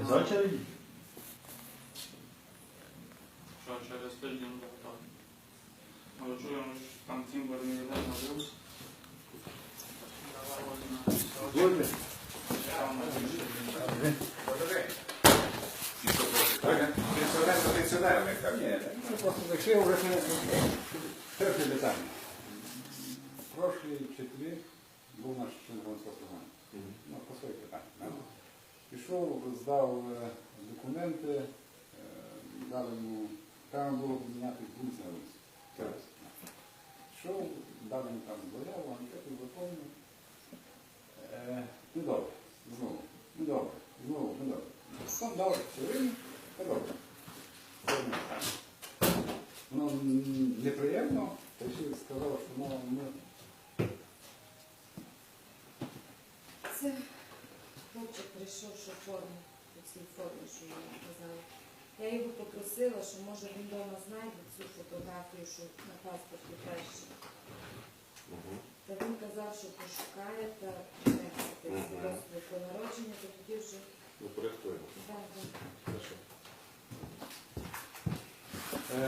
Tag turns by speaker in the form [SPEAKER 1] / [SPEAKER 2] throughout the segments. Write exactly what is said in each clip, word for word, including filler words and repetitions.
[SPEAKER 1] Без очереди?
[SPEAKER 2] Що через тиждень буде готовий. Але чуємо, що там Цимбер не йде на вилус. Давай возьмемо.
[SPEAKER 1] Будьте.
[SPEAKER 2] Там на більше.
[SPEAKER 3] Пенсіонер за пенсіонерами, так?
[SPEAKER 1] Ні, ми просто зайшли вже перше питання. Прошлі вчителі був наш член громадського слухання. Ну, по своїх питаннях. Пішов, здав е, документи, е, дали йому, там було поміняти вулиці на вулиці. Зараз. Пішов, дали йому там заяву, анкету заповнив. Е, ну добре, знову, ну добре, знову, ну добре. Сам дав все время, та добре. Воно неприємно, та ще сказав, що мова ми...
[SPEAKER 4] Це хлопчик прийшов, що в формі, у цій формі, що я казала. Я його попросила, що може він вдома знайде цю фотографію, що на паспорті краще. Та він казав, що пошукає та принесе свідоцтво про народження, то тоді вже...
[SPEAKER 3] Упорядкуємо.
[SPEAKER 4] Так, так.
[SPEAKER 3] Хорошо.
[SPEAKER 1] Е,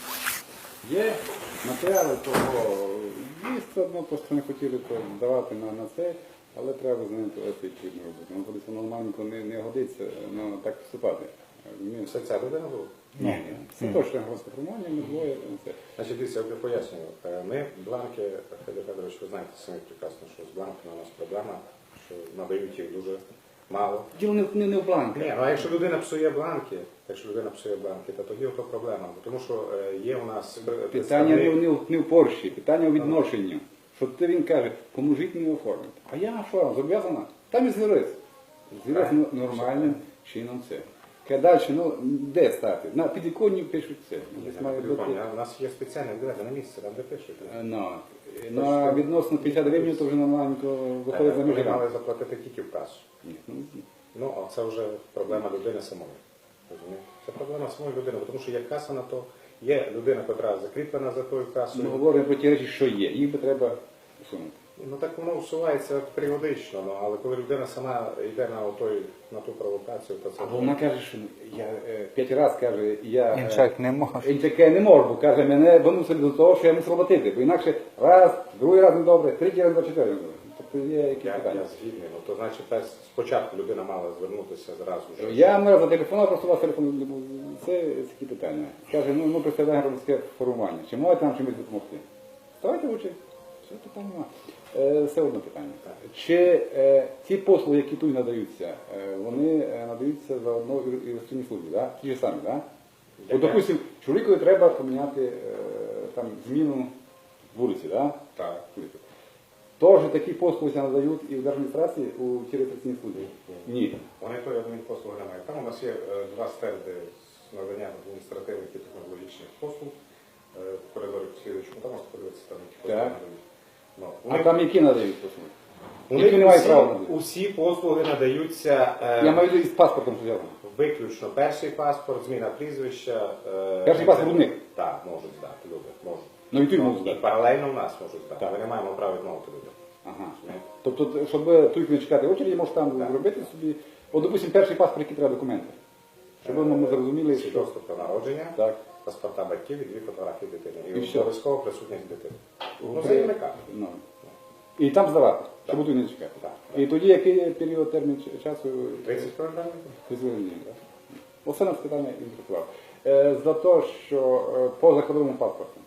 [SPEAKER 1] Є матеріали того місця, одно просто не хотіли то давати на, на це, але треба з ним відповідно робити. Ну, коли це нормальненько не, не годиться, ну, так вступати. Розумієш?
[SPEAKER 3] Це ця людина була?
[SPEAKER 1] Ні, ні. Це точно громадська формування, ми двоє. Це.
[SPEAKER 3] Значить, дивіться, я вже пояснюю. Е, Ми, бланки, Федір Федорович, ви знаєте самі прекрасно, що з бланками у нас проблема, що надають їх дуже мало.
[SPEAKER 1] Діло не, не, не в бланках.
[SPEAKER 3] Ні, ну а якщо людина псує бланки, якщо людина псує бланки, то тоді ото проблема. Тому що е, є у нас
[SPEAKER 1] Питання не, в- не, в- не в Порші, питання у відношенню. Що ти він каже, поможіть мені оформити. А я що, зобов'язана? Там і звірись. Звірись
[SPEAKER 3] Так.
[SPEAKER 1] нормальним чином це. Каже, далі, ну, де стати? На підвіконні пишуть це. Десь має бути.
[SPEAKER 3] У нас є спеціальне відведене місце, там де пишуть.
[SPEAKER 1] Е, Ну, ну, а відносно п'ятдесят гривень, то вже нормальненько виходить за
[SPEAKER 3] Вони
[SPEAKER 1] межі.
[SPEAKER 3] мали заплатити тільки в касу.
[SPEAKER 1] Ні, ну,
[SPEAKER 3] Ну, а це вже проблема людини самої. Розумієте? Це проблема самої людини, тому що є каса на то, є людина, яка закріплена за тою
[SPEAKER 1] Ми
[SPEAKER 3] касою.
[SPEAKER 1] говоримо про ті речі, що є. Їх би треба усунути.
[SPEAKER 3] Ну так воно усувається періодично, ну, але коли людина сама йде на, отой, на ту провокацію, то це...
[SPEAKER 1] Або вона каже, що я е, п'ять разів каже, я... е,
[SPEAKER 5] Іншак не може.
[SPEAKER 1] І таке не можу, бо каже, мене виносили до того, що я мусив платити, бо інакше раз, другий раз не добре, третій раз, четвертий раз не добре. Тобто є якісь
[SPEAKER 3] Я,
[SPEAKER 1] питання.
[SPEAKER 3] я згідний, ну, то значить перш- спочатку людина мала звернутися зразу вже.
[SPEAKER 1] Я не раз зателефонував, просто у вас телефон не був. Це такі питання. Каже, ну ми представляємо громадське формування. Чи можете нам чимось допомогти? Ставайте в очі. Все питання нема. Е, Все одне питання. Чи е, ті послуги, які тут надаються, е, вони е, надаються за одну ілюстраційні службі, да? Ті ж самі, так? Да? От, допустим, чоловікові треба поміняти е, там, зміну вулиці, да?
[SPEAKER 3] Так.
[SPEAKER 1] Тож такі послуги надають і в держадміністрації у тій реєстраційній службі? Ні.
[SPEAKER 3] Вони то адмінпослуги немає. Там у нас є е, два стенди з наданням адміністративних і технологічних послуг. Е, В коридорі слідуючому, там можна подивитися, там які послуги
[SPEAKER 1] Так.
[SPEAKER 3] надають. Ну,
[SPEAKER 1] А
[SPEAKER 3] вони-
[SPEAKER 1] там які надають послуги?
[SPEAKER 3] у
[SPEAKER 1] які
[SPEAKER 3] них
[SPEAKER 1] не мають
[SPEAKER 3] усі-
[SPEAKER 1] права надати?
[SPEAKER 3] Усі послуги надаються е,
[SPEAKER 1] Я маю в виду із паспортом зв'язано.
[SPEAKER 3] виключно перший паспорт, зміна прізвища. е,
[SPEAKER 1] Перший паспорт у них?
[SPEAKER 3] Так, можуть здати, люди, можуть.
[SPEAKER 1] Ну і ти
[SPEAKER 3] Ну,
[SPEAKER 1] можеш
[SPEAKER 3] і
[SPEAKER 1] здати.
[SPEAKER 3] паралельно в нас можуть здати.
[SPEAKER 1] Так.
[SPEAKER 3] Ми не маємо права відмовити людям.
[SPEAKER 1] Ага.
[SPEAKER 3] Розумієте?
[SPEAKER 1] Тобто, щоб тут не чекати очереді, можеш там
[SPEAKER 3] Так.
[SPEAKER 1] зробити собі. От, допустим, перший паспорт, які треба документи. Щоб ми зрозуміли, що...
[SPEAKER 3] Свідоцтво про народження,
[SPEAKER 1] Так.
[SPEAKER 3] паспорта батьків і дві фотографії дитини.
[SPEAKER 1] І
[SPEAKER 3] І
[SPEAKER 1] все.
[SPEAKER 3] обов'язково присутність дитини. Ну,
[SPEAKER 1] При-
[SPEAKER 3] заявника.
[SPEAKER 1] Ну. І там здавати, щоб тут не чекати.
[SPEAKER 3] Так.
[SPEAKER 1] І тоді який період, термін ч- часу?
[SPEAKER 3] тридцять календарних?
[SPEAKER 1] Дозволення. Оце нас питання інтересував. Е, За те, що е, по закордонному паспорту.